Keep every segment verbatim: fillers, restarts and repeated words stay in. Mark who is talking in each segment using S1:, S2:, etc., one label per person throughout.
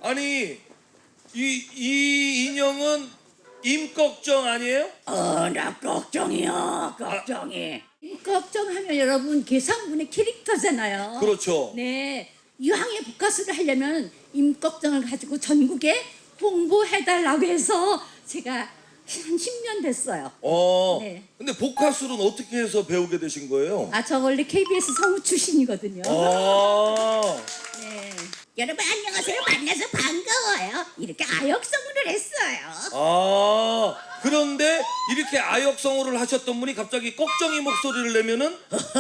S1: 아니 이, 이 인형은 임꺽정 아니에요?
S2: 어, 나 걱정이요, 걱정이. 걱정하면 여러분 계산군의 캐릭터잖아요.
S1: 그렇죠.
S2: 네, 이왕에 복가수를 하려면 임꺽정을 가지고 전국에 홍보해달라고 해서 제가 한 십 년 됐어요.
S1: 어.
S2: 네.
S1: 근데 복화술은 어떻게 해서 배우게 되신 거예요?
S2: 아, 저 원래 케이비에스 성우 출신이거든요.
S1: 아.
S2: 네. 여러분 안녕하세요. 만나서 반가워요. 이렇게 아역성우를 했어요.
S1: 아. 그런데 이렇게 아역성우를 하셨던 분이 갑자기 꺽정이 목소리를 내면은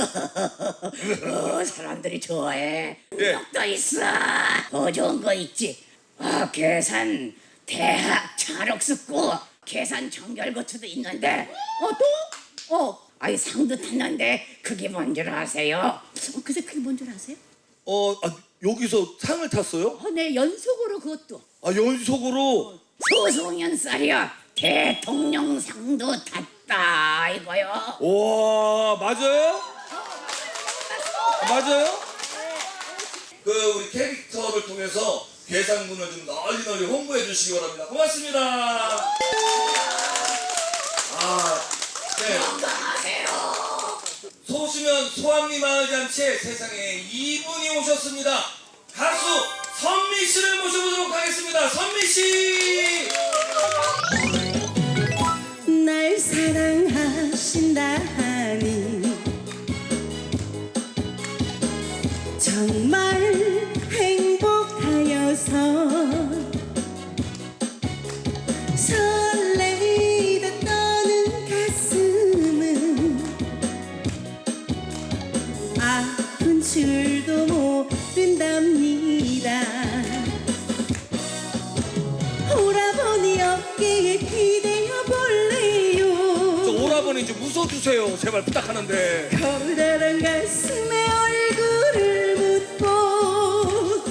S2: 어, 사람들이 좋아해.
S1: 예.
S2: 또 있어. 더 좋은 거 있지. 아, 계산 대학 찰옥수고 계산 정결고추도 있는데 어 또? 어 아이 상도 탔는데 그게 뭔 줄 아세요? 어, 글쎄 그게 뭔 줄 아세요?
S1: 어 아, 여기서 상을 탔어요?
S2: 어, 네 연속으로 그것도
S1: 아 연속으로.
S2: 소송연살이야 대통령상도 탔다 이거요.
S1: 와 맞아요? 맞아요? 그 우리 캐릭터를 통해서 계산군을 좀 널리 널리 홍보해 주시기 바랍니다. 고맙습니다. 아, 네.
S2: 건강하세요.
S1: 소수면 소아미 마을 잔치에 세상에 이분이 오셨습니다. 가수 선미 씨를 모셔보도록 하겠습니다. 선미 씨.
S3: 날 사랑하신다 하니 정말 행복하여서 설레이다 떠는 가슴은 아픈 줄도 모른답니다. 오라버니 어깨에 기대어 볼래요.
S1: 저 오라버니 좀 웃어주세요. 제발 부탁하는데.
S3: 커다란 가슴에 얼굴을 묻고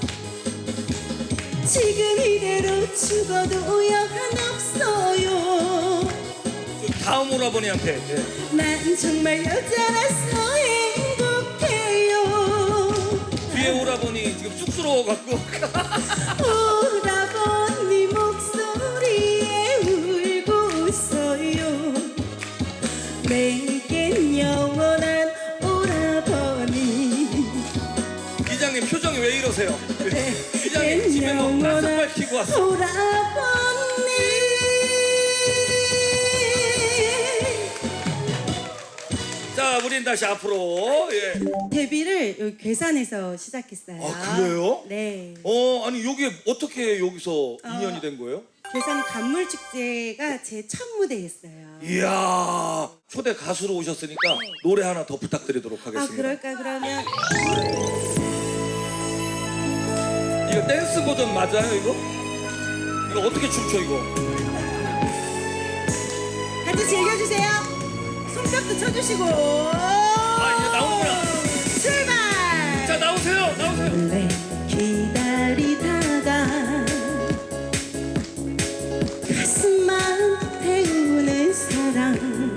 S3: 지금 이대로 죽어도 여한없어요.
S1: 다음 오라버니한테. 예.
S3: 난 정말 여자라서 행복해요.
S1: 뒤에 오라버니 지금 쑥스러워갖고.
S3: 오라버니 목소리에 울고 웃어요. 내겐 영원한 오라버니.
S1: 이장님 표정이 왜 이러세요?
S3: 네.
S1: 이장님 집에 뭐 가스 밝히고 왔어.
S3: 오라버니.
S1: 자, 우린 다시 앞으로. 예.
S3: 데뷔를 여기 괴산에서 시작했어요.
S1: 아, 그래요?
S3: 네.
S1: 어, 아니 여기 어떻게 여기서 인연이 된 거예요?
S3: 괴산 간물축제가 제 첫 무대였어요.
S1: 이야, 초대 가수로 오셨으니까 노래 하나 더 부탁드리도록
S3: 아,
S1: 하겠습니다.
S3: 그럴까 그러면
S1: 이거 댄스 버전 맞아요, 이거? 이거 어떻게 춤춰, 이거?
S3: 같이 즐겨주세요. 손뼉도 쳐주시고.
S1: 아, 이제 나오는구나.
S3: 출발.
S1: 자, 나오세요, 나오세요.
S3: 원래 기다리다가 가슴만 태우는 사랑.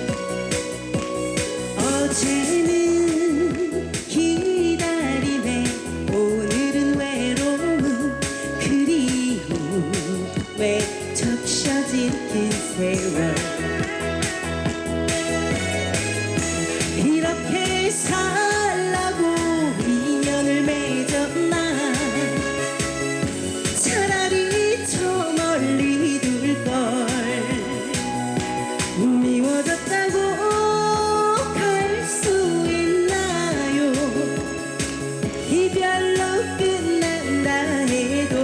S3: 어제는 기다림에 오늘은 외로움 그리움에 적셔진 긴 세월. 이렇게 살라고 인연을 맺었나. 차라리 저 멀리 둘걸. 미워졌다고 갈 수 있나요. 이별로 끝난다 해도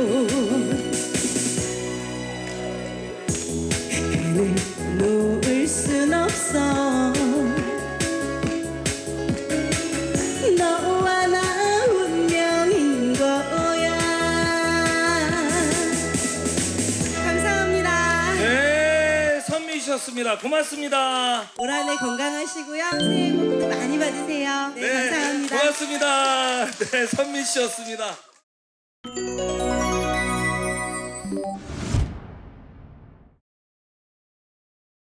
S3: 그를 놓을 순 없어. 너와 나 운명인 거야. 감사합니다.
S1: 네, 선미셨습니다. 고맙습니다.
S3: 올 한 해 건강하시고요. 새해 복도 많이 받으세요. 네, 감사합니다.
S1: 고맙습니다. 네, 선미 씨였습니다.